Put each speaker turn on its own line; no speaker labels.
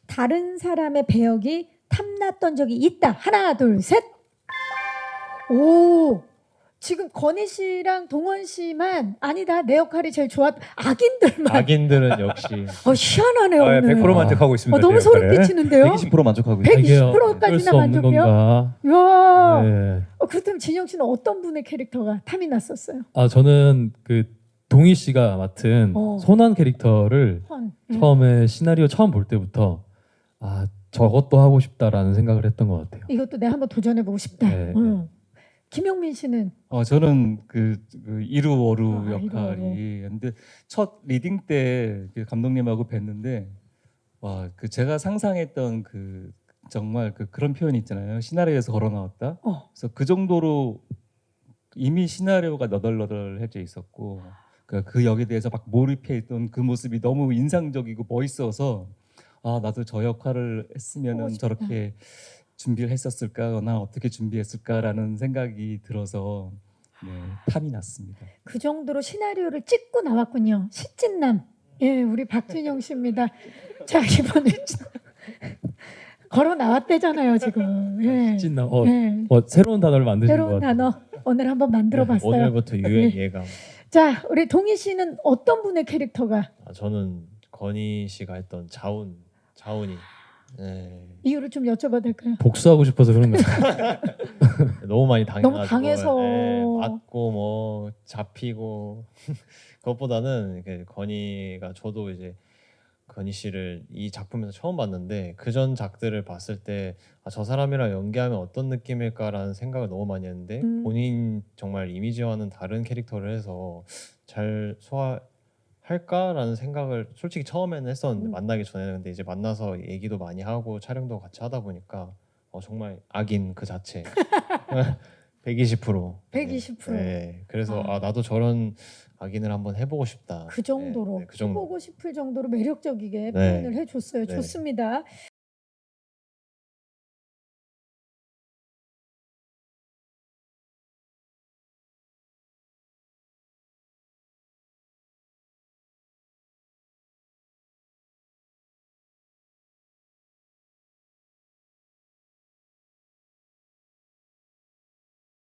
다른 사람의 배역이 탐났던 적이 있다. 하나, 둘, 셋. 오, 지금 건희 씨랑 동원 씨만 아니다. 내 역할이 제일 좋았. 악인들만.
악인들은 역시
희한하네요 오늘.
100% 만족하고 있습니다.
너무
제
소름
역할에.
끼치는데요.
120% 만족하고 있어요.
120%까지나
어쩔 수 없는
만족해요?
건가?
이야.
네.
그렇다면 진영 씨는 어떤 분의 캐릭터가 탐이 났었어요?
아 저는 그 동희 씨가 맡은 소난 캐릭터를 처음에 시나리오 처음 볼 때부터 아 저것도 하고 싶다라는 생각을 했던 것 같아요.
이것도 내가 한번 도전해보고 싶다.
네.
김용민 씨는
저는 그 이루어루
아,
역할이 근데 첫 리딩 때그 감독님하고 뵀는데 와 그 제가 상상했던 그 정말 그런 표현 있잖아요. 시나리오에서 걸어 나왔다. 그래서 그 정도로 이미 시나리오가 너덜너덜해져 있었고 그 역에 대해서 막 몰입해 있던 그 모습이 너무 인상적이고 멋있어서 아 나도 저 역할을 했으면은 저렇게 준비를 했었을까나 어떻게 준비했을까라는 생각이 들어서 네, 탐이 났습니다.
그 정도로 시나리오를 찍고 나왔군요. 시찐남. 예, 우리 박준영 씨입니다. 자 이번에 걸어 나왔대잖아요 지금. 예.
찐나
예.
새로운 단어를 만드신 것
새로운
같아요.
단어 오늘 한번 만들어봤어요.
오늘부터 유행 예감.
자 우리 동희 씨는 어떤 분의 캐릭터가
저는 건희 씨가 했던 자운이 네.
이유를 좀 여쭤봐도 될까요?
복수하고 싶어서 그런 거예요.
너무 많이 당해가지고
너무 당해서.
맞고 뭐 잡히고 그것보다는 이렇게 건희가 저도 이제 건희 씨를 이 작품에서 처음 봤는데 그전 작들을 봤을 때 저 사람이랑 연기하면 어떤 느낌일까라는 생각을 너무 많이 했는데 본인 정말 이미지와는 다른 캐릭터를 해서 잘 소화할까라는 생각을 솔직히 처음에는 했었는데 만나기 전에는 근데 이제 만나서 얘기도 많이 하고 촬영도 같이 하다 보니까 정말 악인 그 자체 120%.
120%.
네. 그래서 나도 저런 악인을 한번 해보고 싶다.
그 정도로
네, 그 정도.
해보고 싶을 정도로 매력적이게
네.
표현을 해줬어요.
네.
좋습니다.